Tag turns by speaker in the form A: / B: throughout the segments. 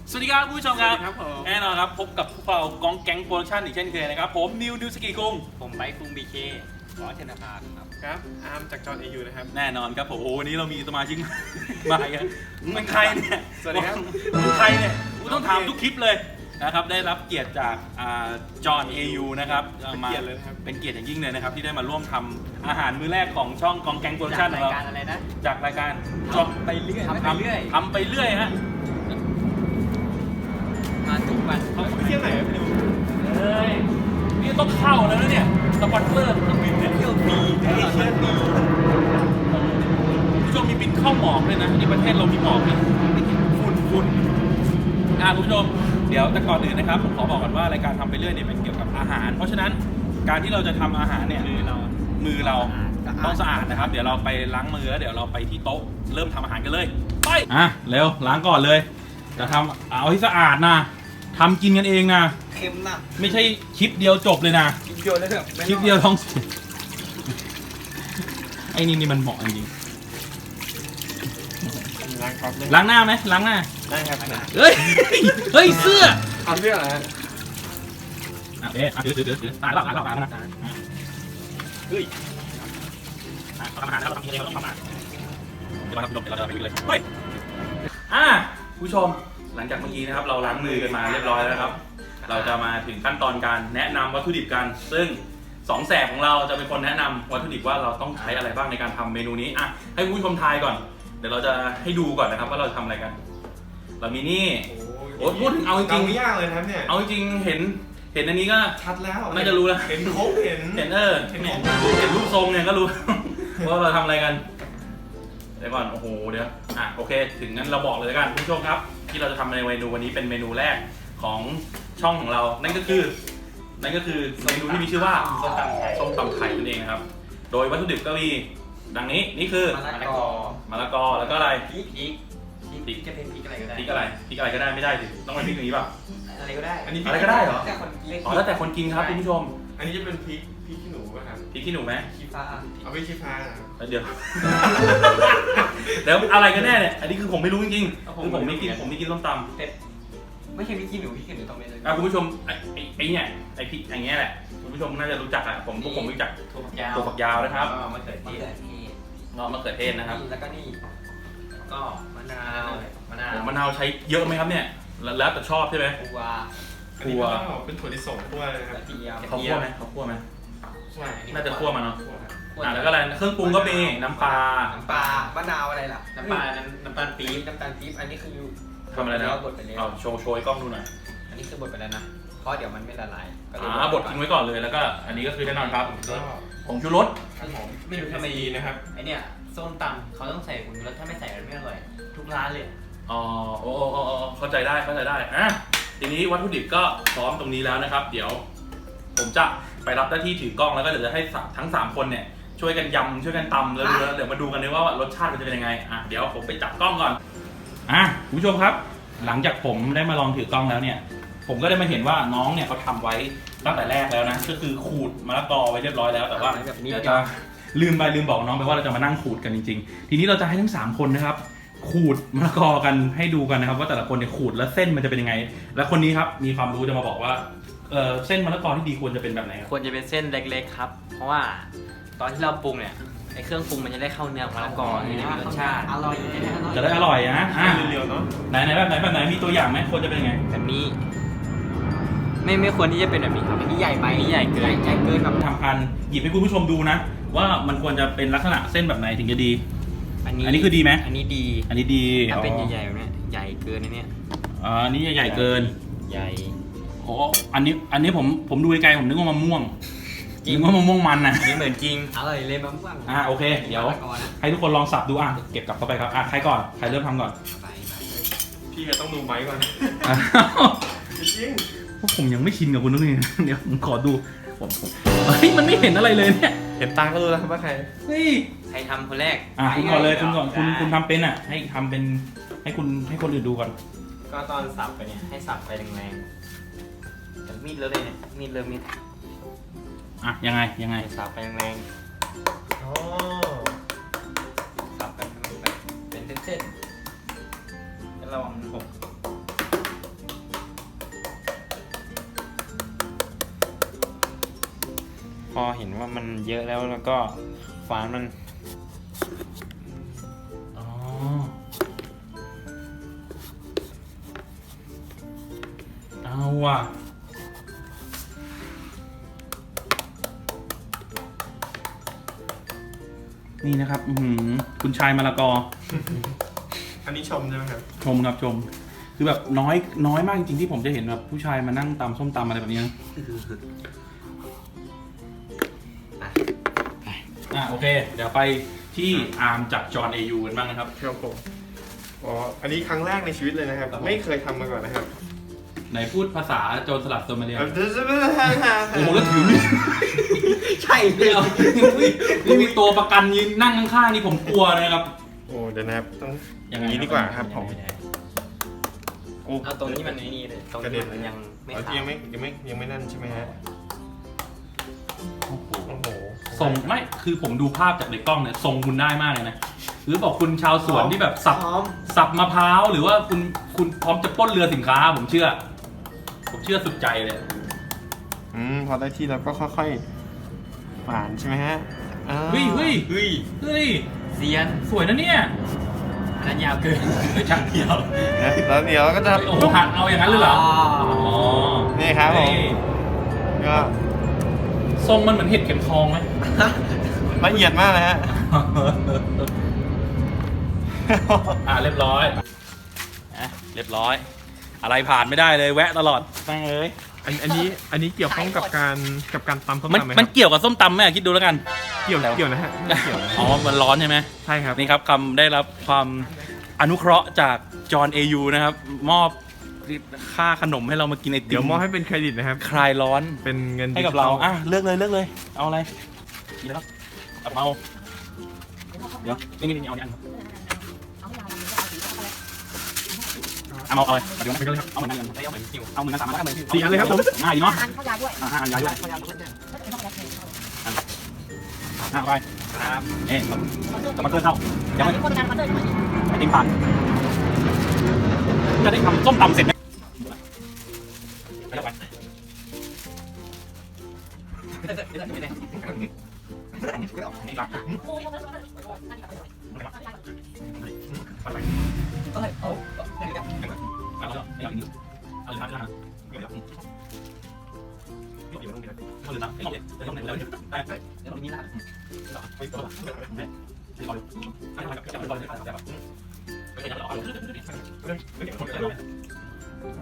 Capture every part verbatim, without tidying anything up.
A: สวัสดีครับผู้ชมครับ
B: ครับผม
A: แน่นอนครับพบกับพวกเรากองแก๊งโปรดักชั่นอีกเช่นเคยนะครับผมนิวนิวสกีกุง
B: ผมไบค์คุงบีเคขอเชนภาครับ
C: ครับอาร์มจากจอห์นเอยูนะครับ
A: แน่นอนครับผมโอ้วันนี้เรามีสมาชิก มาอีกแล้วมึงเป็นใครเนี่ย
C: สวัสดีครับ
A: มึงเป็นใครเนี่ยกูต้องถามทุกคลิปเลยนะครับได้รับเกียรติจากจอห์นเอยูนะครับ
C: เป็น
A: มา
C: เกียรติเลยนะครับ
A: เป็นเกียรติอย่างยิ่งเลยนะครับที่ได้มาร่วมทำอาหารมื้อแรกของช่องกองแก๊งโปรดัก
B: จา
A: ชั่
B: ก
A: นข
B: รา
A: อย งเรา
B: การอะไรนะ
A: จากรายการ
B: ทำไปเรื่อยทำไปเรื่อย
A: ทำไปเรื่อยฮะ
B: มาทุกวัน
C: เขาไปเที่ยวไหนครับพี่นิว
A: เฮ้ยนี่ต้องเข้าแล้วนะเนี่ยสปอนเซอร์ต้องบินเนี่ย
B: เที่ยวปี
C: เอเชียปี
A: ผู้ชมมีบินเข้าหมอกเลยนะที่ประเทศเรามีหมอกนี่ฝุ่นฝุ่นอ่าคุณผู้ชมเดี๋ยวแต่ก่อนอื่นนะครับผมขอบอกก่อนว่ารายการทำไปเรื่อยเนี่ยเป็นเกี่ยวกับอาหาร เพราะฉะนั้นการที่เราจะทำอาหารเนี่ย
B: มือเรา
A: มือเราต้องสะอาดนะครับ เดี๋ยวเราไปล้างมือแล้วเดี๋ยวเราไปที่โต๊ะเริ่มทำอาหารกันเลยไปอ่ะเร็วล้างก่อนเลยจะทำเอาให้สะอาดนะทำกินกันเองนะ
B: เค็มนะ
A: ไม่ใช่คลิปเดียวจบเลยนะ
B: กินโยนแล้วแบบ
A: คลิปเดียวท้องเสียไอ้นี่นี่มันเหมาะจริง
C: ล้างก๊อฟเลย
A: ๆล้างหน้าไหมล้างหน้า
C: ได้ครับ
A: เฮ้ย เฮ้ย เสื้อ
C: เอาเสื้อเหรอฮะ
A: อ่ะเอ๊ะอ่ะเดี๋ยวเดี๋ยวเดี๋ยวเดี๋ยวตายแล้วตายแล้วตายแล้วนะเฮ้ยอ่ะทำอาหารแล้วเราทำยังไงเราต้องทำอาหารเดี๋ยวมาทำเดี๋ยวเราจะไปดูเลยเฮ้ยอ่ะผู้ชมหลังจากเมื่อกี้นะครับ เราล้างมือกันมาเรียบร้อยแล้วนะครับ เราจะมาถึงขั้นตอนการแนะนำวัตถุดิบกัน ซึ่งสองแสบของเราจะเป็นคนแนะนำวัตถุดิบว่าเราต้องใช้อะไรบ้างในการทำเมนูนี้อ่ะให้ผู้ชมทายก่อน เดี๋ยวเราจะให้ดูก่อนนะครับว่าเราจะทำอะไรกัน เรามีนี่ โอ้พูดถึงเอาจริงๆ
C: ไม่ยากเลยนะครับเนี่ย
A: เอาจริงๆเห็นเห็นอันนี้ก็
C: ชัดแล้ว
A: น่าจะรู้แล้ว
C: เห็นครบเห็น
A: เห็นเออ
C: เห็น
A: เนี่ย
C: ของ
A: เห็นรูปทรงเนี่ยก็รู้ ว่าเราทำอะไรกันเดี๋ยวก่อนโอ้โหเดี๋ยวอ่ะโอเค ถึงนั้นเราบอกเลยแล้วกันผู้ชมครับ ที่เราจะทำในเมนูวันนี้เป็นเมนูแรกของช่องของเรา นั่นก็คือนั่นก็คือเมนูที่มีชื่อว่าส้มตำไทยส้มตำไทยนั่นเองครับ โดยวัตถุดิบก็มีดังนี้นี่คือ
B: มะละกอ
A: มะละกอแล้วก็อะไร
B: พริกพริกพริกจะเป็นพริกอะไรก็ได้
A: พริกอะไรพริกอะไรก็ได้ไม่ได้สิต้องเป็นพริกอย่างนี้ป่ะ
B: อะไรก็ได้
C: อันนี้
A: อะไรก็ได้เหรอ
B: แต่คนกิน
A: อ๋อแล้วแต่คนกินครับคุณผู้ชม
C: อันนี้จะเป็นพริกพริกขี้หนูป่ะครับ
A: พริกขี้หนูไหม
B: ขี้ฟ้า
C: เอาไปชี้ฟ้านะครับ
A: แล้วเดี๋ยว แล้วอะไรกันแน่เนี่ย อันนี้คือผมไม่รู้จริงๆคือผมไม่กินผมไม่กินส้มตำ
B: เป็ดไม่ใช่พริกขี้หนูพริกขี้หนูต้องเป็นเลย
A: อ่ะคุณผู้ชมไอ้ไอ้ไอ้เนี่ยไอ้พริกไอ้เงี้ยแหละคุณผู้ชมน่าจะรู้จักอ่ะผมพวกผมรู้จัก
B: ถั่วฝักยาว
A: ถั่วฝักยาวนะครับ
B: อ๋อมะเขือเทศ
A: เงาะมะเขือเทศนะครับ
B: แล้วก็นี่ก็มะนาวมะนาว
A: โอ้มะนาวใช้เยอะไหมครับเนี่ยแล้วแล้วแต่ชอบใช่ไหม
B: ถั่ว
C: อันนี้ก็เป็นถั่วลิสงคั่วเลยนะค
B: ก
C: รับ
B: ระเทียม
A: เขาคั่วไหมเขาคั่วไหม
C: ใช่
A: น่าจะคั่วมาเนาะ
C: คั่วครับ
A: อ่ะแล้วก็อะไรเครื่องปรุงก็มีน้ำปลา
B: น้ำปลามะนาวอะไรล่ะน้ำปลาน้ำน้ำตาลปี๊บน้ำตาลปี๊บอันนี้คือ
A: ทำอะไรนะ
B: บดไปแล้ว
A: เอาโชว์โชว์ให้กล้องดูหน่อย
B: อันนี้คือบดไปแล้วนะเพราะเดี๋ยวมันไม่ละลายก็เลย
A: อ่าบดทิ้งไว้ก่อนเลยแล้วก็อันนี้ก็คือแน่นอนครับ
C: ก็
A: ผงชูรส
C: ครับผม
B: ไม่รู้ทำไม
C: ดีนะครับ
B: ไอเนี่ยส้มตำเขาต้องใส่ผงชูรสถ้าไม่ใส่มันไม่อร่อยทุกร้านเลย
A: อ๋อโอ้โอ้โอ้โอ้เข้าใจได้เข้าใจได้อ่ะทีนี้วัตถุดิบก็พร้อมตรงนี้แล้วนะครับ เดี๋ยว ผมจะไปรับหน้าที่ถือกล้องแล้วก็เดี๋ยวจะให้ทั้งสามคนเนี่ยช่วยกันยำช่วยกันตำแล้วดูแล้วเดี๋ยวมาดูกันเลยว่ารสชาติมันจะเป็นยังไงอ่ะเดี๋ยวผมไปจับกล้องก่อนอ่ะคุณผู้ชมครับ หลังจากผมได้มาลองถือกล้องแล้วเนี่ย ผมก็ได้มาเห็นว่าน้องเนี่ยเขาทำไว้ตั้งแต่แรกแล้วนะก็คือขูดมะละกอไว้เรียบร้อยแล้วแต่ว่า
B: แบบนี้
A: เดี๋ยวจะลืมไปลืมบอกน้องไปว่าเราจะมานั่งขูดกันจริงๆ ทีนี้เราจะให้ทั้งสามคนนะครับ ขูดมะละกอกันให้ดูกันนะครับ ว่าแต่ละคนเนี่ยขูดแล้วเส้นมันจะเป็นยังไง และคนนี้ครับมีความรู้จะมาบอกว่าเออเส้นมะละกอที่ดีควรจะเป็นแบบไหนครับ
B: ควรจะเป็นเส้นเล็กๆครับ เพราะว่าตอนที่เราปรุงเนี่ยไอเครื่องปรุงมันจะได้เข้าเนื้อของมะละกอจะได้มีรสชาติอร่อย
A: จะได้อร่อยนะอ่ะ
C: เรียวๆเนาะ
A: ไหนไหนแบบไหนแบบไหนมีตัวอย่างไหมควรจะเป็นยังไง
B: แบบนี้ ไม่ไม่ควรที่จะเป็นแบบนี้ครับอันนี้ใหญ่ไปอันนี้ใหญ่เกินใหญ่เกินแบบ
A: ทำการหยิบให้คุณผู้ชมดูนะ ว่ามันควรจะเป็นลักษณะเส้นแบบไหนถึงจะดี
B: อันนี้
A: อันนี้คือดีไหม
B: อันนี้ดี
A: อันนี้ดี
B: ถ้าเป็น
A: อ๋อ
B: ใหญ่ๆแบบเนี้ยใหญ่เกินนะเนี่ย
A: อ๋ออันนี้ใหญ่เกิน
B: ใหญ่
A: โอ้อันนี้อันนี้ผมผมดูไกลๆผมนึกว่ามะม่วงนึกว่ามะม่วงมันนะ
B: อันนี้เหมือนจริงอร่อยเลยมะม่วง
A: อ่ะโอเคเดี๋ยวให้ทุกคนลองสับดูอ่ะเก็บกลับเข้าไปครับอ่ะใครก่อนใครเริ่มทำก่อน
B: ไป
C: พี่ก็ต้องดูไม้ก่อน
A: อ้าว
C: จริง
A: พวกผมยังไม่ชินกับคุณนุ้ยเดี๋ยวผมขอดูผมผมเฮ้ยมันไม่เห็นอะไรเลยเนี่ย
C: เห็นตาก็รู้แล้วว่าใคร
A: เฮ้ย
B: ใครทำคนแรก
A: อ่ะคุณก่อนเลยคุณก่อนคุณคุณทำเป็นอ่ะให้ทำเป็นให้คุณให้คนอื่นดูก่อน
B: ก็ตอนสับไปเนี่ยให้สับไปแรงๆแต่มีดเลอะเลยเนี่ยมีดเลอะมีด
A: อ่ะยังไงยังไง
B: สับไปแรง
C: อ๋อ
B: ๆสับไปเป็นเส้นๆแล้วระวังมันหกเห็นว่ามันเยอะแล้วแล้วก็ฝานมัน
A: อ๋อเอาว่ะนี่นะครับอื้อหือคุณชายมะละกอ
C: อันนี้ชมใช่ไหมครับ
A: ชมครับชม คือแบบน้อยน้อยมากจริงๆที่ผมจะเห็นแบบผู้ชายมานั่งตำส้มตำอะไรแบบนี้นะอ่ะโอเค เดี๋ยวไปที่อาร์มจากจอห์นเอยูกันบ้างนะครับ
C: ครับผมอ๋ออันนี้ครั้งแรกในชีวิตเลยนะครับ
A: ครับผม
C: ไม่เคยทำมาก่อนนะครับ
A: ไหนพูดภาษาโจรสลัดโซมาเลีย
C: โอ้
A: โอ้โหแล้วถือมีด
B: ใช่เดียว
A: นี่มีตัวประกันยืนนั่งข้างๆนี่ผมกลัวนะครับ
C: โอ้เดี๋ยวนะครับต้องอ
A: ยั
C: ย่าง ง
A: ไง
C: นี้ดีกว่าครับผมโอ้
B: เอาตรงนี้มันนี่เลยตรง
C: กระ
B: นี้
C: เด็น
B: มันยังไม่
C: เอา
B: ขา
C: ยัง
B: ด
C: ไม่ยังไม่ยังไม่นั่นใช่ไหมฮะ
A: โอ้โห
C: โอ้โห
A: ทรงไม่คือผมดูภาพจากในกล้องเนี่ยทรงคุณได้มากเลยนะหรือบอกคุณชาวสวนที่แบบสับ
B: พร้อม
A: สับมะพร้าวหรือว่าคุณคุณพร้อมจะปล้นเรือสินค้าผมเชื่อ ผมเชื่อสุดใจเลย
C: อืมพอได้ที่แล้วก็ค่อยๆฝานใช่ไหมฮะอ้าว
A: เฮ้ยเฮ้ย
B: เฮ้ย
A: เฮ้ย
B: เซียน
A: สวยนะเนี่ย
B: อันนั้นยาวเกิน
A: ไม่ช่างเดียว
C: นะแล้วเดี๋ยวก็จะ
A: โอ้โหหักเอาอย่างนั้นเลยเหรอ
B: อ๋อ
A: อ๋อ
C: นี่ครับผม
A: เฮ้ย
C: ก็
A: ทรงมันเหมือนเห็ดเข็มทองไหม
C: ละเอียดมากนะฮะ
A: อ่ะเรียบร้อยอ่ะเรียบร้อย อะไรผ่านไม่ได้เลยแวะตลอดแม่งเอ้ย
C: อันอันนี้อันนี้เกี่ยวข้องกับการกับการตำส้ม
A: มัน
C: ตำไหมค
A: มัน
C: รับ
A: เกี่ยวกับส้มตำไหมอ่ะคิดดูแล้วกัน
C: เกี่ยวเกี่ยวนะฮะไม่เกี่ยวนะ
A: อ๋อ มันร้อนใช่ไหม
C: ใช่ครับ
A: นี่ครับคำได้รับความอนุเคราะห์จากจอห์นเอยูนะครับ มอบค่าขนมให้เรามากินไอติม
C: เดี๋ยวมอบให้เป็นเครดิตนะครับ
A: คลายร้อน
C: เป็นเงิน
A: ให้กับเราอ่ะเลือกเลยเลือกเลย เอาอะไรกินแล้วกับเอาเดี๋ยวนี่นี่นี่เอาเนี่ยเอาเอาอะไรเดี๋ยวนะไปเลยครับเอาเหมือนกันเอาเหมือนกันสามอันเลย
C: สี่อันเลยครับผม
A: ง่ายดีเนาะ
D: ทานข้าวยาด้วย
A: อ่าห้าอันยายด้วย
D: ข้าวยาด้วยไม่ต้องรับเงินเขา
A: ห้าไป
B: ครับ
A: เอ๊ะจะมาเกินเข้ายังไม่
D: มีคนงานมาเดินมาอีก
A: ไอติมผ่านจะได้ทำส้มตำเสร็จไหมไปแล้วไปนี่รัก เอาแล้วเอาอย่างนี้เอาเลยนะเดี๋ยวเดี๋ยวเดี๋ยวเอาเลยนะเดี๋ยวเดี๋ยวเดี๋ยวเดี๋ยวเดี๋ยวไปเดี๋ยวนี้นะไปต่อไปไปก่อนไปก่อนไปก่อนไปก่อนไปก่อนไปก่อนไปก่อน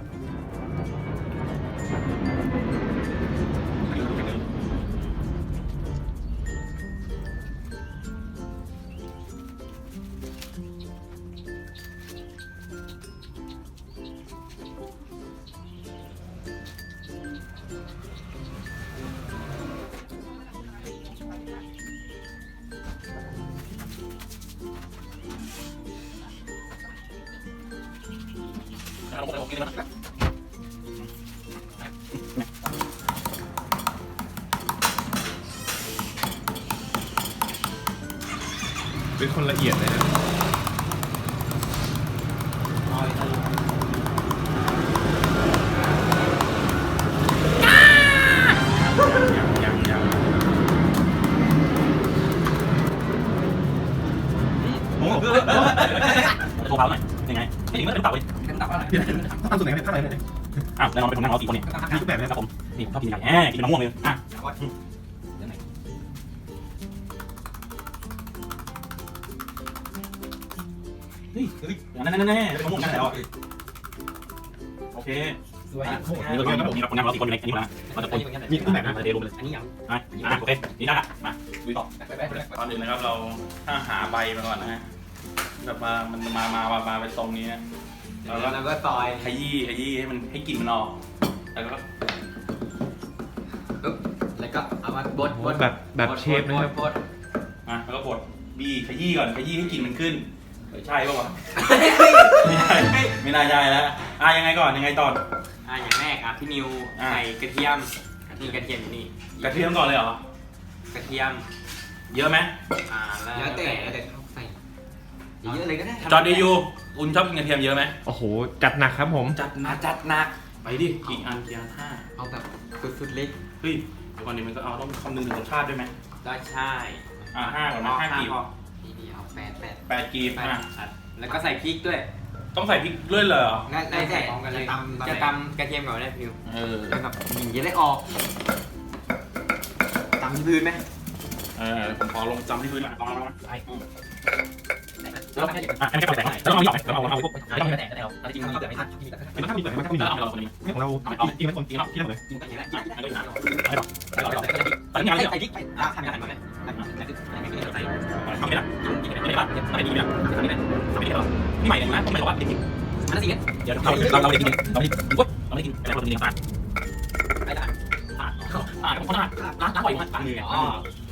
A: เอาลงไปผมกินมัน
C: เป็นคนละเอียดเลยนะ
A: ยังยังโอ้โหโทรเผาหน่อยยังไงนี่มันเป็นเต่าเลยเป็นเต่าอะไร
C: ทำส่วนไหนเนี่ยท่าไหนเนี่ย
A: อ้าวแน่นอนเป็นคนนั่งรอสี่คนนี่
C: มีทุกแบบเลย
A: ครับผมนี่ผมชอบกินไก่แหมกินมะม่วงเลยอ่ะเฮ้ยเฮ้ยนั่นนั่นนั่นเป็นมะม่วงนั่นแหละโอเค
B: สวย
A: นี่เราเป็นนี่เราคนนั่งรอสี่คนอยู่ในนี้นะเราจะปน
C: มีทุกแบบนะ
A: มาเดลงไปเลย
B: อันนี้ยัง
A: อ่ะอ่ะโอเคนี่ได้ละมาดูต่อตอนอื่นนะครับเราถ้าหาใบมาก่อนนะฮะแบบมามันมามามามาเป็นทรงนี้นะ
B: แล้วเราก็ซอย
A: ขยี้ขยี้ให้มันให้กลิ่นมันออกแล้วก็
B: ปุ๊บแล้วก็เอามาบดบด
C: แบบแบบเชฟนะครับ
B: บด
A: อ่ะแล้วก็บดบี้ขยี้ก่อนขยี้ให้กลิ่นมันขึ้นเฮ้ยใช่ป่าววะไม่ใช่ไม่น่าใช่แล้วอ่ะยังไงก่อนยังไงตอน
B: อ่าอย่างแรกอ่ะพี่นิว
A: อ่ะ
B: ใส่กระเทียมนี่กระเทียมอยู่นี่
A: กระเทียมก่อนเลยเหรอก
B: ระเทียม
A: เยอะไหม
B: อ่าแล้วแต่แล้วแต่เขาใส่เยอะเลยก็ได้
A: จอร์ดเดยูคุณชอบกินกระเทียมเยอะไหม
C: โอ้โหจัดหนักครับผม
A: จัดหนั
B: มาก จัดหนัก
A: ไปดิกี่อันกี่อันห้า
B: เอาแบบสุดๆเล็ก
A: เฮ้ยเดี๋ยวก่อนนี้มันก็เอาต้องคำนึงถึงรสชาติด้วยไหม
B: ได้ใช่
A: อ่าห้าก่อนนะห้ากีบ
B: ดีดีเอาแปดแปด
A: แปดกีบ
B: แปด
A: อ่ะ
B: อัดแล้วก็ใส่พริกด้วย
A: ต้องใส่พริกด้วยเหรอ
B: ได้ได้ใส่จะตำจะตำกระเทียมก่อนได้พิว
A: เออ
B: แบบหนีจะได้ออกตำที่พื้นไหม
A: เออผมขอลงจำที่พื้นละลองลองใช่แล้วอ่ะอันนี้แค่ปล่อยแสงแล้วเราหยอกแล้วเราเอาพวกไม่ต้องมีแสงแล้วจริงๆมันจะไม่ทันมันต้องมีแสงมันต้องมีเราเราคนนี้
C: ของเรา
A: เอาจริงๆมันคนจริงเนาะที่เราเลยไม่หรอกไม่หรอกไม่หรอกตอนนี้งานเยอะ
B: ใส่พริกไปทำงานมาไหมใส่
A: ทำไม่ได้ไม่ได้ไม่ได้ดีนะทำไม่ได้ทำไม่ได้หรอพี่ใหม่เนี่ยนะผมไม่รู้ว่าจริง
B: อันนั้นสิ
A: ๆเดี๋ยวเราเราเราได้กินเราได้กินเราได้กินแต่เราได้กินต่าง
B: ไอ้ด่าน
A: อ่าอ่าผมคนละร้านร้านบ่อยมากร้านมือ
B: อ๋อ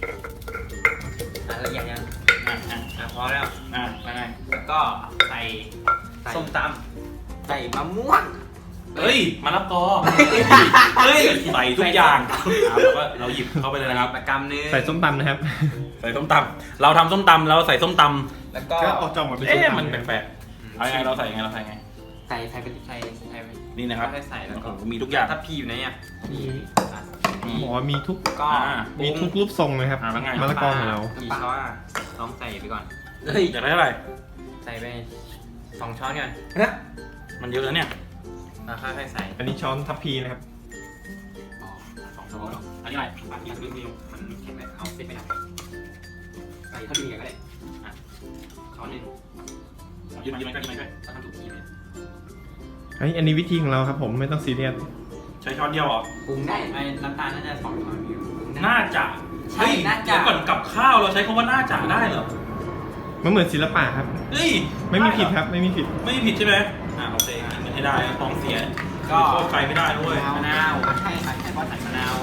B: ละเอียดยัง
A: อ่าอ่า
B: อ่ะพอแล้ว
A: อ่ายังไง
B: แล้วก็ใส่ส้มตำใส่มะม่วง
A: เฮ้ยมะละกอเฮ้ยใส่ทุกอย่างแล้วก็เราหยิบเข้าไปเลยนะครับ
B: ประกำนึง
C: ใส่ส้มตำนะครับ
A: ใส่ส้มตำเราทำส้มตำแล้วใส่ส้มตำ
B: แล้วก็
C: ก็เอาจอมมาเป็นส้ม
A: เอ๊ะ
C: ตำ
A: มันแปลกๆเอายังไงเราใส่ยังไงเราใส่ยังไง
B: ใส่ใส่ไปใส่ใส่ไป
A: นี่นะครับ
B: ใส่แล้วก็
A: มีทุกอย่าง
B: ถ้าพีอยู่ไหนอ่ะพี
C: บอกว่ามีทุก
B: ก็
C: มีทุกรูปทรงเลยครับ
A: อ่าแล้วไง
C: มะละกอของเรา
B: กี่ช้อนลองใส่ไปก่อนเฮ้ย
A: อยากได้เท่าไหร่
B: ใส่ไปสองช้อนก่อน
A: มันเยอะแล้วเนี่ย
B: แล้วค่อยๆใส่
C: อันนี้ช้อนทัพพีนะครับ
B: สองช้อน
A: อันนี้อะไร
B: ปากที่มันมันแข็งเลยเอาเส้นไปหน่อยใส่เท่าที่มีกันก็ได้อ่ะช้อนหนึ่ง
A: ยืนมายืนมาใกล้ยืนมาใกล้
B: เราทำถูกที่เลย
C: เฮ้ยอันนี้วิธีของเราครับผมไม่ต้องซีเรียส
A: ใช้ช้อนเดียวเหรอ
B: ปรุงได้ไอ้น้ำตาลน่าจะสองช้อนอยู่
A: น่าจะ
B: ใช่น่าจะ
A: เดี๋ยวก่อนกับข้าวเราใช้คำว่าน่าจะได้เหรอ
C: มันเหมือนศิลปะครับ
A: เฮ้ย
C: ไม่มีผิดครับไม่มีผิด
A: ไม่มีผิดใช่ไหมอ่าโอเคกินมันให้ได้ต้องเสีย
B: ก็
A: โทษใครไม่ได้ด้วย
B: มะนาวใช่ใช่ใช่เพราะใส่มะนาว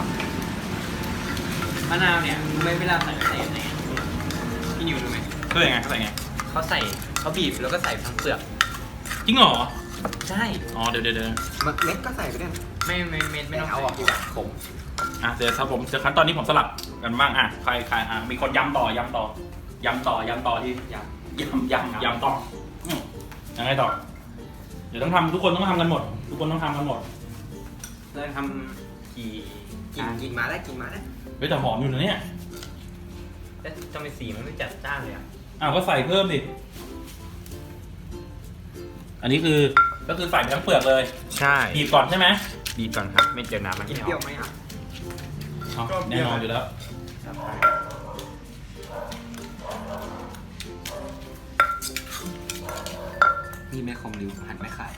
B: มะนาวเนี่ยไม่เวลาใส่ใส่ยังไงพี่นิวรู้ไหม
A: ก็ยังไงเขาใส่ไง
B: เขาใส่เขาบีบแล้วก็ใส่ทั้งเปลือก
A: จริงเหรอ
B: ใช่
A: อ๋อเดี๋ยวเดี๋ยวเดี๋ยว
B: เม็ดก็ใส่ไปด้วยไม่ไม่เม็ดไม่ต้องเอาออกดีกว่าขม
A: อ่ะเดี๋ยวครับผมเดี๋ยวขั้นตอนนี้ผมสลับกันบ้างอ่ะใครใครอ่ะมีคนย้ำต่อย้ำต่อย้ำต่อย้ำต่อที่
B: อย่าง
A: ย้ำย้ำย้ำต่ออืมยังไงต่อเดี๋ยวต้องทำทุกคนต้องทำกันหมด ทุกคนต้องทำกันหมด
B: เริ่มทำกี่กินกินมาได้กินมาได้
A: เฮ้ยแต่หอมอยู่นะเนี่ย
B: แต่ทำไมสีมันไม่จัดจ้านเลยอ่ะ
A: อ้าวก็ใส่เพิ่มดิอันนี้คือก็คือใส่ไปทั้งเปลือกเลย
B: ใช่
A: บีบก่อนใช่ไหม
B: บีบก่อนครับไม่เจอน้ำมันเปรี้ยวไหมอ่ะ
A: อ๋อแน่นอนอยู่แล้ว
B: นี่แม่คมริวหั่นไม่ขาย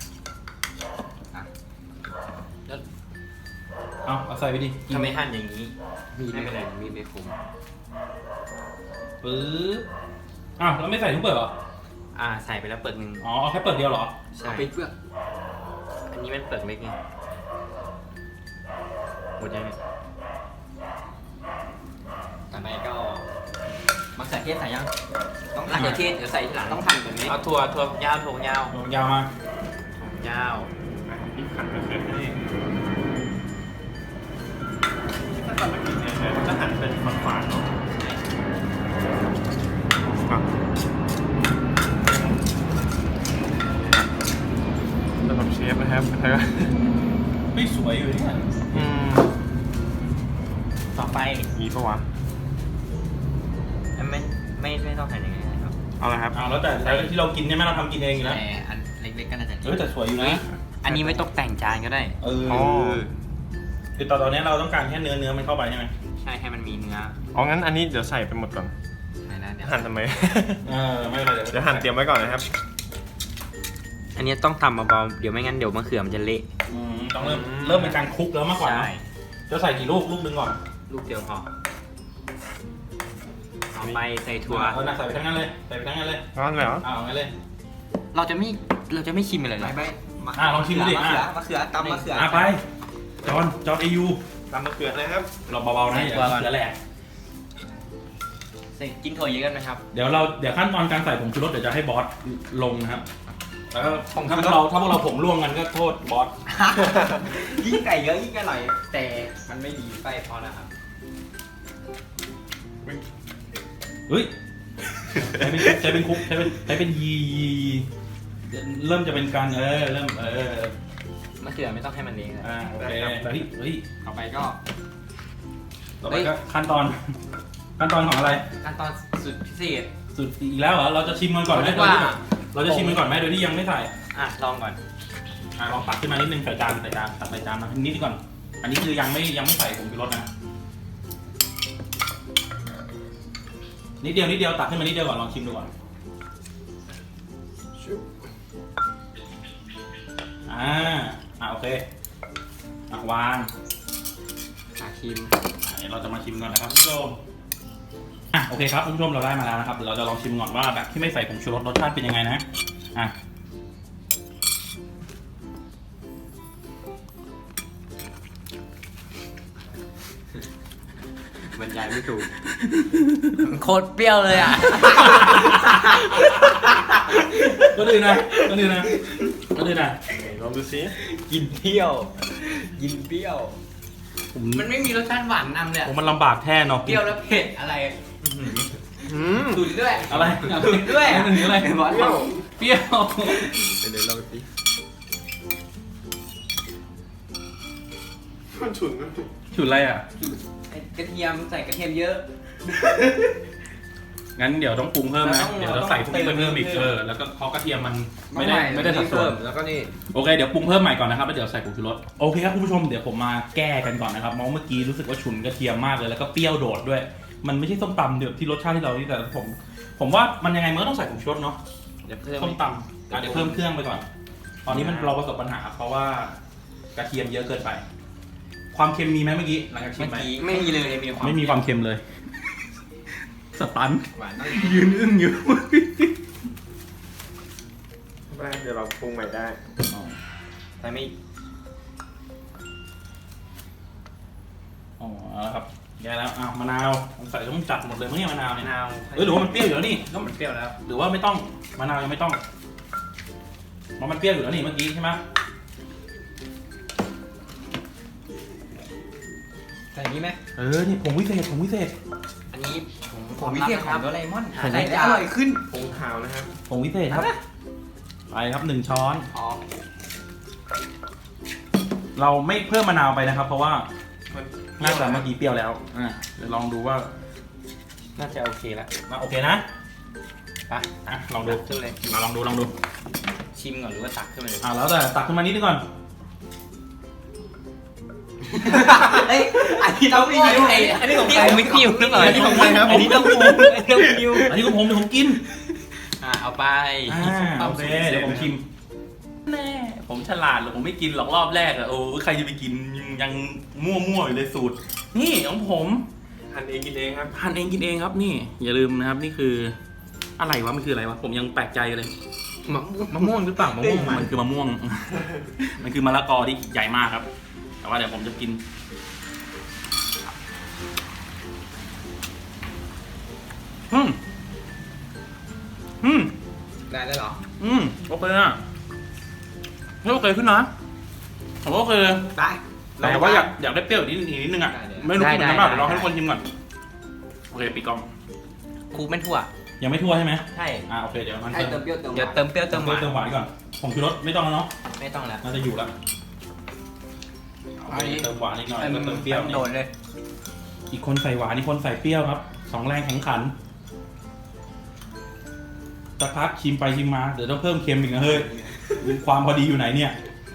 A: เอาเอาใส่ไปดิ
B: ทำไมหั่นอย่างนี้มีไม่เป็นไรมีไม่คม
A: ปึ๊บอ้าวแล้วไม่ใส่ทุกเปลือกเหรอ
B: อ่าใส่ไปแล้วเปลือกหนึ่ง
A: อ๋อเอาแค่เปลือกเดียวเหรอ
B: ใช่เป็นเปลือกอันนี้เป็นเปลือกเล็กไงหมดยังเนี่ยต่อไปก็มะเขือเทศใส่ยังต้องมะเขือเทศเดี๋ยวใส่ทีหลังต้องหั่นแบบนี้เอาถั่วถั่วยาวถั่วยาว
A: ยาวมา
B: ถั่วยาว
C: นี่ขัดไปเสร็จนี่ถ้าตอนไม่กินเนี่ยมันจะหั่นเป็นฝานๆเนาะครับสำหรับเชฟนะครับแล้วก็
A: ไม่สวยอยู่เนี่ย
C: อืม
B: ต่อไป
C: มีปะวะ
B: ไม่ไม่ไม่ต้องหั่นยังไงนะครับ
C: เอาละครับ
A: อ้าวแล้วแต่แต่ที่เรากินเนี่ยแม่เราทำกินเองอยู่แล้ว
B: แต่อันเล็กๆก็น่าจะ
A: เออแต่สวยอยู่นะ
B: อันนี้ไม่ต้องแต่งจานก็ได้
A: เออ
C: อ๋อ
A: คือตอนตอนนี้เราต้องการแค่เนื้อเนื้อมันเข้าไปใช่ไหม
B: ใช่ให้มันมีเนื้อ
C: อ๋องั้นอันนี้เดี๋ยวใส่ไปหมดก่อน
B: ไหนนะเดี๋ยว
C: หั่นทำไม
A: เออไม่เป็นไร
C: เดี๋ยวหั่นเตรียมไว้ก่อนนะครับ
B: อันนี้ต้องทำเบาๆเดี๋ยวไม่งั้นเดี๋ยวมะเขือมันจะเละ
A: อืมต้องเริ่มเริ่มเป็นการคลุกแล้วมากกว่านะจะใส่กี่ลูกลูกนึงก่อน
B: ลูกเดียวพอต่อไปใส่ถั่ว
A: เออน่ะใส่ไปทั้งนั้นเลยใส่ไปทั้งนั้นเลย
C: ร้อนแล้ว
A: อ้าวงั้นเลย
B: เราจะไม่เราจะไม่ชิมเลยเหรอ
A: อ่ะลองชิมดูดิอ่ะ
B: มะเขือตำมะเขือ
A: อ่ะไปจอนจอนเอยู
C: ตำมะเขือเลยครับ
A: เราเบาๆนะอย่าเสือแหลก
B: ใส่กินถั่วเยอะกันไหมครับ
A: เดี๋ยวเราเดี๋ยวขั้นตอนการใส่ผงชูรสเดี๋ยวจะให้บอสลงนะครับแล้วก็
B: ผงชูรส
A: ถ้าพวกเราถ้าพวกเราผงร่วงกันก็โทษบอส
B: ยิ่งไก่เยอะยิ่งอร่อยแต่มันไม่ดีไปพอนะครับ
A: เฮ้ยใช้เป็นใช้เป็นคุกใช้เป็นใช้เป็นยียียีเริ่มจะเป็นการเออเริ่มเออ
B: มะเขือไม่ต้องให้มันเละเลย
A: อ่าโอเคเฮ้ยเฮ้ย
B: ต่อไปก็
A: ต่อไปก็ขั้นตอนขั้นตอนของอะไร
B: ขั้นตอนสุดพิเศษ
A: สุดอีกแล้วเหรอเราจะชิมมันก่อนไหม
B: ผมว่า
A: เราจะชิมมันก่อนไหมโดยที่ยังไม่ใส่
B: อ่ะลองก่อน
A: อ่ะลองตักขึ้นมานิดนึงใส่จานใส่จานตักใส่จานมานิดก่อนอันนี้คือยังไม่ยังไม่ใส่ผงชูรสนะนิดเดียวนิดเดียวตักขึ้นมานิดเดียวก่อนลองชิมดูก่อนอ่าอ่ะโอเคอ่ะวาง
B: อาชิม
A: อ่ะเดี๋ยวเราจะมาชิมก่อนนะครับคุณผู้ชมอ่ะโอเคครับคุณผู้ชมเราได้มาแล้วนะครับเดี๋ยวเราจะลองชิมก่อนว่าแบบที่ไม่ใส่ผงชูรสรสชาติเป็นยังไงนะอ่ะ
B: บรรยายไม่ถูก โคตรเปรี้ยวเลยอ่ะ
A: ก็ดีนะก็ดีนะก็ดีนะ
C: ลองดูซิ
B: กินเปรี้ยว กินเปรี้ยว
A: ผม
B: มันไม่มีรสชาติหวานนำเลยอะ
A: ผมมันลำบากแท้เนาะ
B: เปรี้ยวแล้วเผ็ดอะไร
C: อืม
B: ตุนด้วย
A: อะไร
B: ตุนด้วย
A: อันนี้อะไร
C: เปรี้ยว
A: เปรี้ยว
C: เดี๋ยวลองสิมันฉุนมันฉุน
A: ฉุนอะไรอ่ะ
B: ไอ้กระเทียมใส่กระเทียมเยอะ
A: งั้นเดี๋ยวต้องปรุงเพิ่มนะ
B: เราต้อง
A: เดี๋ยวเราใส่พวกนี้ไปเพิ่มอีก
B: เติ
A: เอ
B: ม
A: อแล้วก็เพราะกระเทียมมันไม่ได้
B: ไม่
A: ไม่ได้สัดส่วน
C: แล้วก็นี่
A: โอเคเดี๋ยวปรุงเพิ่มใหม่ก่อนนะครับแล้วเดี๋ยวใส่ผงชูรสโอเคครับคุณผู้ชมเดี๋ยวผมมาแก้กันก่อนนะครับเพราะเมื่อกี้รู้สึกว่าฉุนกระเทียมมากเลยแล้วก็เปรี้ยวโดดด้วย มันไม่ใช่ส้มตำเดี๋ยวที่รสชาติที่เราที่แต่ผม ผมว่ามันยังไงมันก็ต้องใส่ผงชูรสเนาะ
B: เดี๋ยวเพิ่ม
A: ส้มตำอ่ะเดี๋ยวเพิ่มเครื่องไปก่อน ตอนนี้มันเราประสบปัญหาเพราะว่ากระเทียมเยอะเกินไป ความเค็มมีไหมเมื่อกี้หลังจากชิ
B: เมื่
A: ม
B: อ
A: ไป
B: กี้ไม่มีเลยมีความ
A: ไม่มีความเค็มเลย สตัน
B: หวาน
A: ยืนอึ้งอยู่
C: ได้เดี๋ยวเราปรุงใหม่ได้
B: ใส่ไม่
A: อ๋อเอาละครับแย่แล้วอ้าวมะนาวใส่ต้องจัดหมดเลยมั้งเนี่ยมะนาว
B: มะ
A: เนี่ย
B: นาว
A: เออหรือว่ามันเปรี้ยวอยู่แล้วนี่
B: ก็มันเปรี้ยวแล้ว
A: หรือว่าไม่ต้องมะนาวยังไม่ต้องเพราะมันเปรี้ยวอยู่แล้วนี่เมื่อกี้ใช่ไหม
B: ใส่นี้ไหม
A: เออนี่ผงวิเศษผงวิเศษ
B: อันนี้ผม
E: ผมวิเศษของโดเรมอน
B: ใส่
E: ใส่
B: ได้
E: ได้อร่อยขึ้น
C: ปรุงขาวนะครับ
A: ผงวิเศษครับไปครับหนึ่งช้อน
B: อ๋อ
A: เราไม่เพิ่มมะนาวไปนะครับ เพราะว่า
C: มัน
A: น่าจะเมื่อกี้เปรี้ยวแล้วอ่ะเดี๋ยวลองดูว่า
B: น่าจะโอเคแล้ว
A: มาโอเคนะ
B: ไป
A: อ่ะลองดู
B: ขึ้นเลย
A: มาลองดูลองดู
B: ชิมก่อนหรือว่าตักขึ้นมาเลย
A: อ่ะแล้วแต่ตักขึ้นมานิดนึงก่อน
E: เอ้ยอันนี้ต้องมีนิ้ว
B: อันนี้ของใครไม่คิวหรือเปล่า
A: อันนี้ของใครครับ
B: อันนี้ต้องคิวอันนี้ต้องคิว
A: อันนี้ของผมเดี๋ยวผมกิน
B: อ่ะเอาไป
A: อ่าโอเคเดี๋ยวผมชิมแน่ผมฉลาดหรอกผมไม่กินหรอกรอบแรกอะโอ้ใครจะไปกินยังยังมั่วๆอยู่เลยสูตร นี่ของผม
C: หั่นเองกินเองครับ
A: หั่นเองกินเองครับนี่ อย่าลืมนะครับนี่คืออะไรวะมันคืออะไรวะผมยังแปลกใจเลย
C: มะม่วง
A: มะม่วงหรือเปล่ามะม่วงมันคือมะม่วง มันคือมะละกอที่ใหญ่มากครับ แต่ว่าเดี๋ยวผมจะกินอืมอืม
B: ได้แล้วเหรอ
A: อืมโอเคอ่ะไม่โอเคขึ้นนะผมว่าโอเค
E: ได้
A: แต่ว่าอยากอยากได้เปรี้ยวอีกนิดอีกนิดนึงอ่ะ
B: ได้เลย
A: ไม่รู้กินกันเปล่า
B: ได้ได้
A: เดี๋ยวลองให้ทุกคนชิมก่อนโอเคปิดกล้อง
B: ครูเป็นถั่ว
A: ยังไม่ทั่วใช่ไหม
B: ใช่
A: อ่าโอเคเดี๋ยวมัน
E: ให้
A: เติ
E: เติ
A: ม
E: มเปรี้ยวเติมห
B: เดี๋ยว
E: วาน
B: เติมเปรี้ยวเติมหวาน
A: เติมหวานก่อนผงชูรสไม่ต้องแล้วเนาะ
B: ไม่ต้องแล้ว
A: น่าจะอยู่แล้วโอเคเติมหวานอีกหน่อยก็เติมเปรี้ยว
B: โดดเลย
A: อีกคนใส่หวานอีกคนใส่เปรี้ยวครับสองแรงแข่งขันสักพักชิมไปชิมมาเดี๋ยวต้องเพิ่มเค็มอีกนะเฮ้ยความพอดีอยู่ไหนเนี่ย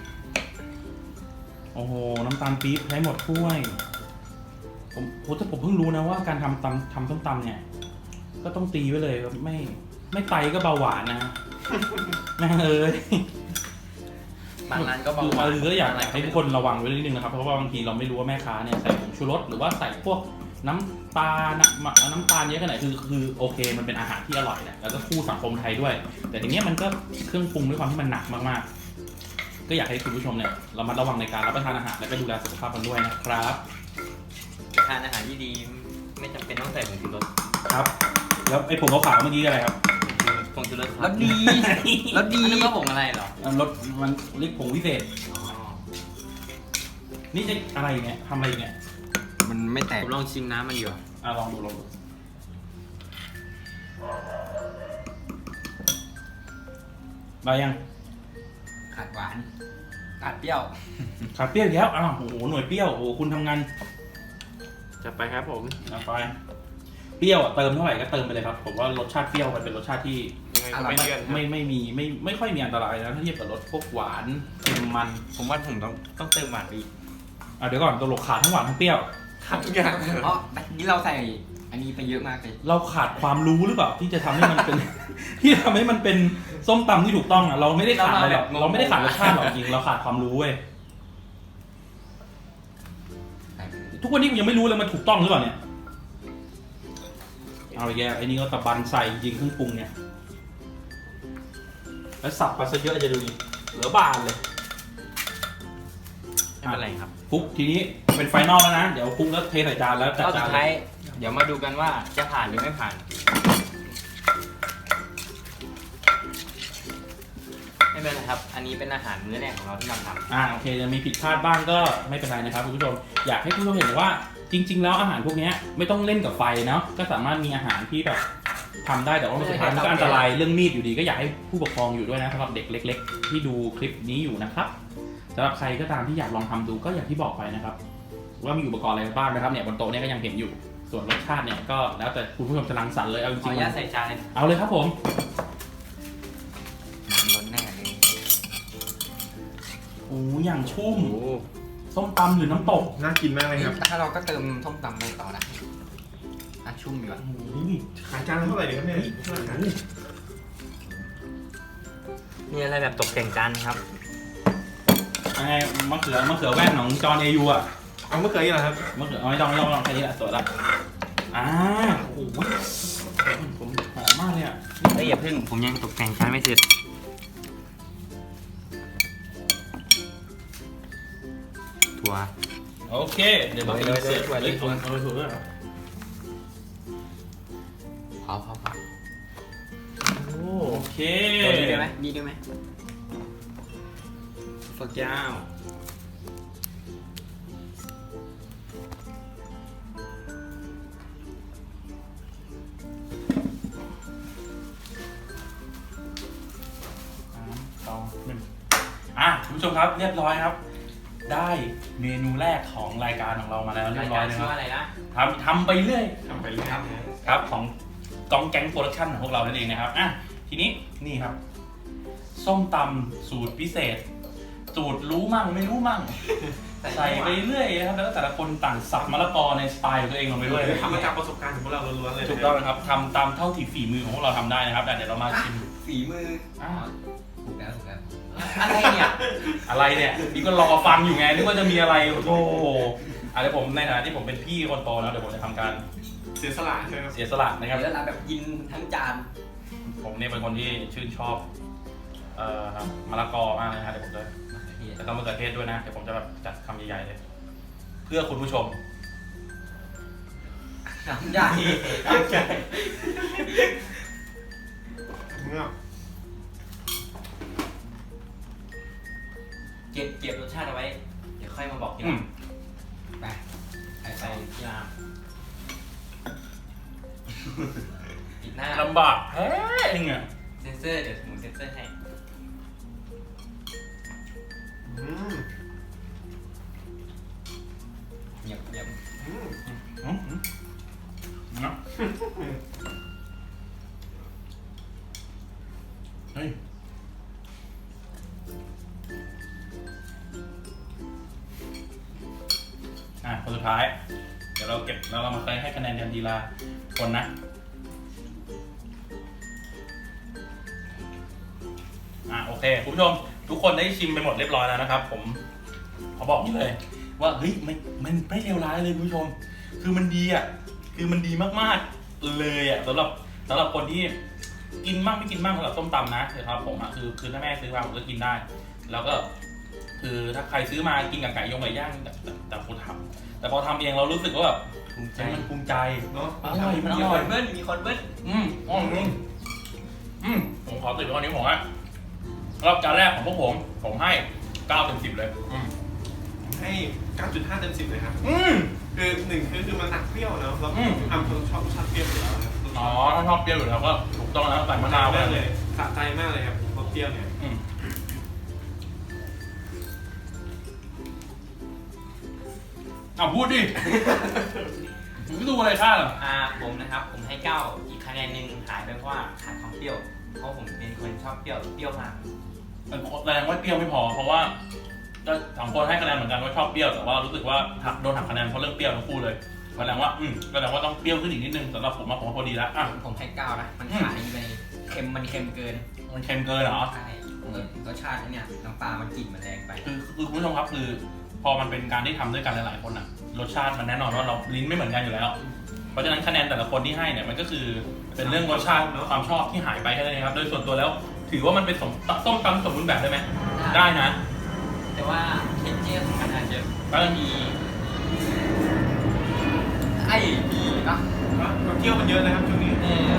A: โอ้โหน้ำตาลปี๊บใช้หมดถ้วยผมผมแต่ผมเพิ่งรู้นะว่าการทำตำทำส้มตำเนี่ย ก็ต้องตีไว้เลยว่าไม่ไม่ไตก็เบาหวานนะ แม่งเอ้ย
B: บางร้านก็บอก
A: คือ
B: ว่า
A: คือก็อยากให้ทุกคนระวังไว้นิดนึงนะครับเพราะว่าบางทีเราไม่รู้ว่าแม่ค้าเนี่ยใส่ผงชูรสหรือว่าใส่พวกน้ำปลาน้ำน้ำตาลเยอะขนาดไหนคือคือโอเคมันเป็นอาหารที่อร่อยแหละแล้วก็คู่สังคมไทยด้วย แต่ทีเนี้ยมันก็เครื่องปรุงด้วยความที่มันหนักมากๆ ก็อยากให้คุณผู้ชมเนี่ยเรามาระวังในการรับประทานอาหารและก็ดูแลสุขภาพกันด้วยนะครับ
B: ทานอาหารที่ดีไม่จำเป็นต้องใส่ผงชูรส
A: ครับ แล้วไอ้ผงขาวๆเมื่อกี้อะไรครับ
B: ผงชูรส
E: แล้วดี แล้วดี
B: นึกว่าผงอะไรเหรอ
A: รสมันเรียกผงวิเศษนี่จะอะไรเนี่ยทำอะไรเนี่ย
E: มันไม่แตก
B: ผมลองชิมน้ำมันอยู่
A: อ่ะลองดูลองดูได้ยัง
E: ขาดหวาน ขาดเปรี้ยว
A: ขาดเปรี้ยวอีกแล้วอ้าวโอ้โหหน่วยเปรี้ยวโอ้โหคุณทำงาน
C: จะไปครับผม
A: เอาไปเปรี้ยวอะเติมเท่าไหร่ก็เติมไปเลยครับผมว่ารสชาติเปรี้ยวมันเป็นรสชาติที่
C: ยังไงก็ไม่เลี่ยนครับ
A: ไม่ไม่มีไม่ไม่ค่อยมีอันตรายนะถ้าเทียบกับรสพวกหวานเค็มมัน
B: ผมว่าผมต้องต้องเติมหวานไปอีก
A: อ่ะเดี๋ยวก่อนตัวหลกขาดทั้งหวานทั้งเปรี้ยว
C: ครับทุกอย่าง
E: เพราะนี่เราใส่อันนี้ไปเยอะมากเลย
A: เราขาดความรู้หรือเปล่าที่จะทำให้มันเป็น ที่ทำให้มันเป็นส้มตำที่ถูกต้องอ่ะเราไม่ได้ขาดอะไรหรอกเราไม่ได้ขาดรสชาติหรอกจริงเราขาดความรู้เว้ยทุกวันนี้กูยังไม่รู้เลยมันถูกต้องหรือเปล่าเนี่ยเอาอีกแล้วไอ้นี่ก็ตะบันใส่จริงเครื่องปรุงเนี่ยแล้วสับไปซะเยอะจะดูดิเหลือบานเลย
B: ไม่เป็นไรครับ
A: คลุกทีนี้เป็นไฟนอลแล้วนะเดี๋ยวคลุกแล้วเทใส่จานแล้วจัด
B: รอบ
A: จา
B: สุ
A: น
B: ดท้ายเดี๋ยวมาดูกันว่าจะผ่านหรือไม่ผ่าน ไม่เป็นไรครับ อันนี้เป็นอาหารมื้อแรกของเราที่เราทำ
A: อ่าโอเคจะมีผิดพลาดบ้างก็ไม่เป็นไรนะครับคุณผู้ชมอยากให้คุณผู้ชมเห็นว่าจริง ๆ แล้วอาหารพวกนี้ไม่ต้องเล่นกับไฟเนาะก็สามารถมีอาหารที่แบบทำได้แต่ว่าสุดท้ายมันก็อันตรายเรื่องมีดอยู่ดีก็อยากให้ผู้ปกครองอยู่ด้วยนะสำหรับเด็กเล็ก ๆ ที่ดูคลิปนี้อยู่นะครับสำหรับใครก็ตามที่อยากลองทำดูก็อย่างที่บอกไปนะครับว่ามีอุปกรณ์อะไรบ้างนะครับเนี่ยบนโต๊ะเนี่ยก็ยังเห็นอยู่ส่วนรสชาติเนี่ยก็แล้วแต่คุณผู้ชมจะรังสรรค์เลยเอาจ
B: ขอ
A: ริ
B: อง นุญาต
A: ๆ
B: ใส่จานเลย
A: เอาเลยครับผม
E: น้ำล้นแน่เลย
A: โอ้อย่างชุ่มส้มตำหรือน้ำตก
C: น่ากินมากเลยครับ
E: ถ้าเราก็เติมส้มตำไปต่อนะอ่ะชุ่มอยู่อ่ะ
A: โอ้โห
C: ขายจานละเท่าไหร่ดีครับเนี่ย
B: มีอะไรแบบตกแต่งจานครับ
A: ยังไงมะเขือมะเขือแว่นของจอห์นเอยูอะ
C: เอาเมื่อกี้เหรอครับ
A: มะเขือเอาไม่ต้องไม่ต้องไม่ต้องแค่นี้แหละสวยละอ่าโอ้โหผมหอมมากเลยอะ
B: เฮ้ยอย่าพึ่งผมยังตกแต่งจานไม่เสร็จถั่ว
A: โอเคเดี๋ยวเราไปเสิร์ฟเลยเอาเอาถั่วด้วยเหรอ
E: พอพอพอ
A: โอเค
B: นี่ด้วยไหมนี่ด้วยไหม
A: ฝักยาวสองหนึ่งอ่ะคุณผู้ชมครับเรียบร้อยครับ ได้เมนูแรกของรายการของเรามาแล้วเรี
B: ราย
A: บร้
B: กา
A: อ
B: ร
A: ยนะค
B: ชื่อ
A: รับ
B: ว่าอะไรนะ
A: ทำทำไปเรื่อย
C: ทำไปเลยครับ
A: ครับของกองแก๊งโปรดักชั่นของพวกเรานั่นเองนะครับอ่ะทีนี้นี่ครับ ส้มตำสูตรพิเศษ สูตรรู้มั่งไม่รู้มั่ง ใส่ไปเรื่อยนะครับแล้วก็แต่ละคนต่างสับมะละกอในสไตล์ของตัวเองลงไปด้วย
C: ทำมาจากประสบการณ์ของพวกเราล้วนๆเลย
A: ถูกต้องนะครับทำตามเท่าที่ฝีมือของพวกเราทำได้นะครับแต่เดี๋ยวเรามาชิม
E: ฝีมือ
A: อ่ะ
E: ถูกแล้วถูกแล้ว
B: อะไรเนี่ย
A: อะไรเนี่ยนี่ก็รอฟังอยู่ไงนึกว่าจะมีอะไรโอ้โหอ่ะเดี๋ยวผมในฐานะที่ผมเป็นพี่คนโตนะเดี๋ยวผมจะทำการ
C: เสียสละใช่ไหมครับ
A: เสียสละนะครับ
E: เดี๋ยวเราแบบกินทั้งจาน
A: ผมเนี่ยเป็นคนที่ชื่นชอบเอ่อมะละกอมากนะฮะเดี๋ยวผมจะแล้วก็มะเขือเทศด้วยนะเดี๋ยวผมจะแบบจัดคำใหญ่ๆเลย เพื่อคุณผู้ชม
E: น้ำใหญ่
C: เนี่ย
B: เก็บเก็บรสชาติเอาไว้ เดี๋ยวค่อยมาบอกทีห
A: อื
B: ลั
A: ม
B: ง
E: ไปไป
B: ใส่ที่ร้านปิดหน้า
A: ลำบากแท้เองอ่ะ
B: เซนเซอร์เดี๋ยวหมูเซนเซอร์ให้
C: อืม
E: เหยียบเหยียบ
C: อืม
A: อืมอืมเนาะเฮ้ยอ่ะคนสุดท้าย เดี๋ยวเราเก็บแล้วเรามาเคยให้คะแนนกันทีละคนนะอ่ะโอเคคุณผู้ชมทุกคนได้ชิมไปหมดเรียบร้อยแล้วนะครับ ผมขอบอกนี่เลย ว่าเฮ้ยไม่มันไม่เลวร้ายเลยคุณผู้ชม คือมันดีอ่ะคือมันดีมากๆเลยอ่ะสำหรับสำหรับคนที่กินมากไม่กินมากสำหรับส้มตำนะนะครับผมอ่ะคือคือถ้าแม่ซื้อมาผมก็กินได้ แล้วก็คือถ้าใครซื้อมากินกับไก่ยงไก่ย่างแต่แต่แต่คนทำแต่พอทำเองเรารู้สึกว่าแบบ
B: ภูมิใจ
A: มันภูมิใจ
C: เนาะ
A: อร่อยมันอ
B: มี
A: ร่
B: ค
A: อย
B: นเบิ้ลมีคนเบิ้ล
A: อืมอ๋ออืมอืมผมขอติดไว้วันนี้ผมอ่ะรอบจานแรกของพวกผมผมให้เก้าเต็มสิบเลยอืม
C: ให้ เก้าจุดห้า เต็มสิบเลยครับ
A: อืม
C: คือหนึ่งคือคือมันหนักเปรี้ยวเนาะเรา
A: อืม
C: ทำคนชอบรสชาติเปรี้ยวอยู่แล้วนะครับ
A: อ๋อถ้าชอบเปรี้ยวอยู่แล้วก็ถูกต้องแล้วใส่มะนาวไป
C: มาก
A: เล
C: เลย ยสะใจมากเลยครับรสเปรี้ยวเนี่ย
A: อืมอเอาพูดดิมึงก็ดูอะไรข้าเหรอ
B: อ่าผมนะครับผมให้เก้าอีกคะแนนหนึ่งหายไปเพราะว่าขาดความเปรี้ยวเพราะผมเป็นคนชอบเปรี้ยวเปรี้ยวมาก
A: แสดงว่าเปรี้ยวไม่พอเพราะว่าก็สองคนให้คะแนนเหมือนกันว่าชอบเปรี้ยวแต่ว่ารู้สึกว่าหักโดนหักคะแนนเพราะเรื่องเปรี้ยวทั้งคู่เลยแสดงว่าอืมแสดงว่าต้องเปรี้ยวขึ้นอีกนิดนึงสำหรับผมว่าผมว่าพอดีแล้วอ่ะ
E: ผมให้เก้านะมันขายไปเค็มมันเค็มเกิน
A: มันเค็มเกินเหรอ
E: ใช่รสชาติเนี่ยน้ำปลามันกลิ่นมันแรงไป
A: คือคือคุณผู้ชมครับคือพอมันเป็นการที่ทำด้วยกันหลายๆคนอ่ะรสชาติมันแน่นอนว่าเราลิ้นไม่เหมือนกันอยู่แล้ว เพราะฉะนั้นคะแนนแต่ละคนที่ให้เนี่ยมันก็คือเป็นเรื่องรสชาติความชอบที่หายไปแค่นั้นเองครับโดยส่วนตัวแล้วถือว่ามันเป็นสมต้มตำสมบูรณ์แบบได้ไหมได้นะ
B: แต่ว่าเทนเจอร์ของมันอาจจะ
A: ก็จะมี
E: ไอ้ดีเนาะ
C: ก็เที่ยวมันเยอะนะครับช่วงนี้
B: เออ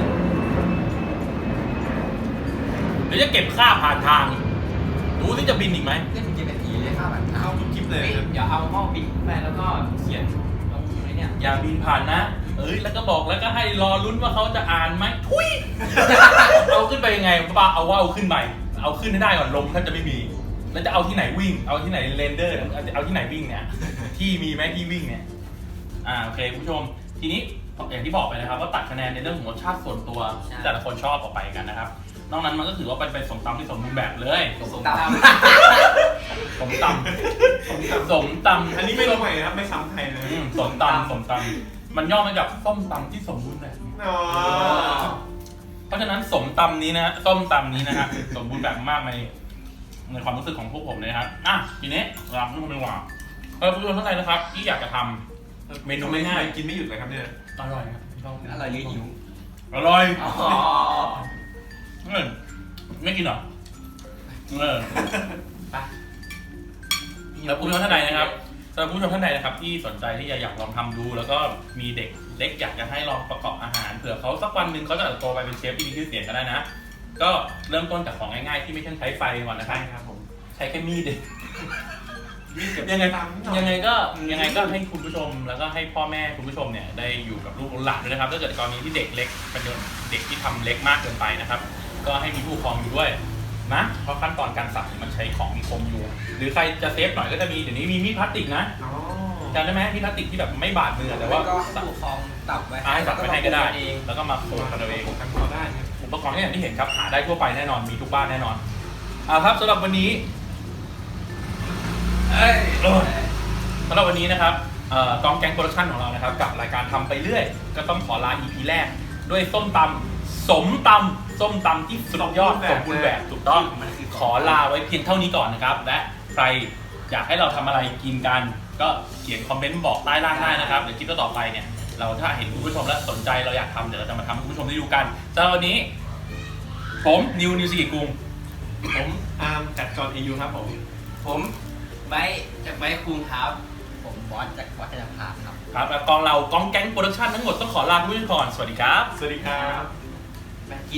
A: เดี๋ยวจะเก็บค่าผ่านทางดูที่จะบินอีกไหม
E: เล่นกินเป็นผีเลยข้าวแบบเท้า
C: เข้าทุกคลิปเลย
B: เฮ้ย
C: ครับ
B: เดี๋ยวเอาหม้อบินขึ้นไปแล้วก็เขียนลงไว้เนี่ย
A: อย่าบินผ่านนะ เอ้ยแล้วก็บอกแล้วก็ให้รอลุ้นว่าเขาจะอ่านไหมทุย เอาขึ้นไปยังไงป้าเอาว่าเอาขึ้นไปเอาขึ้นให้ได้ก่อนลมถ้าจะไม่มีแล้วจะเอาที่ไหนวิ่ง เอาที่ไหนเรนเดอร์เอาที่ไหนวิ่งเนี่ย ที่มีไหมที่วิ่งเนี่ย อ่าโอเคคุณผู้ชม ทีนี้อย่างที่บอกไปนะครับว่าตัดคะแนนในเรื่องของรสชาติส่วนตัวที่แต่ละคนชอบออกไปกันนะครับ นอกนั้นมันก็ถือว่าเป็นเป็นสมตำที่สมบูรณ์แบบเลย
B: สมตำ
A: สมตำสมตำ
C: อันนี้ไม่ลงใหม่นะครับไม่ซ้ำใครเลย
A: อืมสมตำสมตำมันย่อมาจากส้มตำที่สมบูรณ์แบบ
C: อ๋อ
A: เพราะฉะนั้นสมตำนี้นะส้มตำนี้นะฮะ สมบูรณ์แบบมากในในความรู้สึกของพวกผมเลยนะครับอ่ะทีนี้เราผู้ชมดีกว่าเออผู้ชมท่านใดนะครับที่อยากจะทำเมนูง่าย
C: กินไม่หยุดเลยครับเนี่ย
A: ๆอร่อยครับชอบ
E: อร่อยหรือหิว
A: อร่อย
B: อ๋อ
A: เออไม่กินเหรอเออ
B: ไป
A: แล้วผู้ชมท่านใดนะครับสำหรับผู้ชมท่านใดนะครับที่สนใจที่จะอยากลองทำดู แล้วก็มีเด็กเล็กอยากจะให้ลองประกอบอาหารเผื่อเขาสักวันหนึ่งเขาจะโตไปเป็นเชฟที่มีชื่อเสียงก็ได้นะ ก็เริ่มต้นจากของง่ายๆที่ไม่ต้องใช้ไฟก่อนนะครับ
C: ใช่ครับผม
A: ใช้แค่มีดเอง
C: มีเก็บ
A: ยังไง
C: ตามนิดหน่อ
A: ยังไงก็ยังไงก็ให้คุณผู้ชมแล้วก็ให้พ่อแม่คุณผู้ชมเนี่ยได้อยู่กับลูกหลานด้วยนะครับถ้าเกิดกรณีที่เด็กเล็กเป็นเด็กที่ทำเล็กมากเกินไปนะครับ ก็ให้มีผู้ปกครองอยู่ด้วยนะเพราะขั้นตอนการสับเนี่ยมันใช้ของมีคมอยู่ หรือใครจะเซฟหน่อยก็จะมีเดี๋ยวนี้มีมีดพลาสติกนะ
C: อ๋อ
A: จำได้ไหมมีดพลาสติกที่แบบไม่บาดมือแต่ว่า
E: ก็
A: สับ
E: ผู้ปกครองตับไว้
A: อ่าให้สับไปให้ก็ได้
E: เอง
A: แล้วก็มาโขลกกันเอาเอง
C: กันพอได้ครับ
A: อุปกรณ์ที่อย่างที่เห็นครับหาได้ทั่วไปแน่นอนมีทุกบ้านแน่นอนเอาครับสำหรับวันนี้เอ้ยโอ้ยสำหรับวันนี้นะครับเอ่อกองแก๊งโปรดักชั่นของเรานะครับกับรายการทำไปเรื่อยก็ต้องขอลา อี พี แรกด้วยส้มตำสมตำส้มตำที่สุดยอดสมบูรณ์แบบถูกต้องขอลาไว้เพียงเท่านี้ก่อนนะครับและใครอยากให้เราทำอะไรกินกัน ก็เขียนคอมเมนต์บอกใต้ล่างได้นะครับเดี๋ยวคลิปต่อไปเนี่ยเราถ้าเห็นคุณผู้ชมแล้วสนใจเราอยากทำเดี๋ยวเราจะมาทำให้คุณผู้ชมได้ดูกันสำหรับวันนี้ผมนิวนิวสิกิกุง
C: ผมอาร์มจัดจอห์นเอยูครับผม
B: ผมไบร์ทจากไบร์ทคุงครับ
E: ผมบอสจากบอสจะพาครับ
A: ครับและกองเรากองแก๊งโปรดักชั่นทั้งหมดต้องขอลาคุณผู้ชมก่อนสวัสดีครับ
C: สวัสดีครับ
B: แบง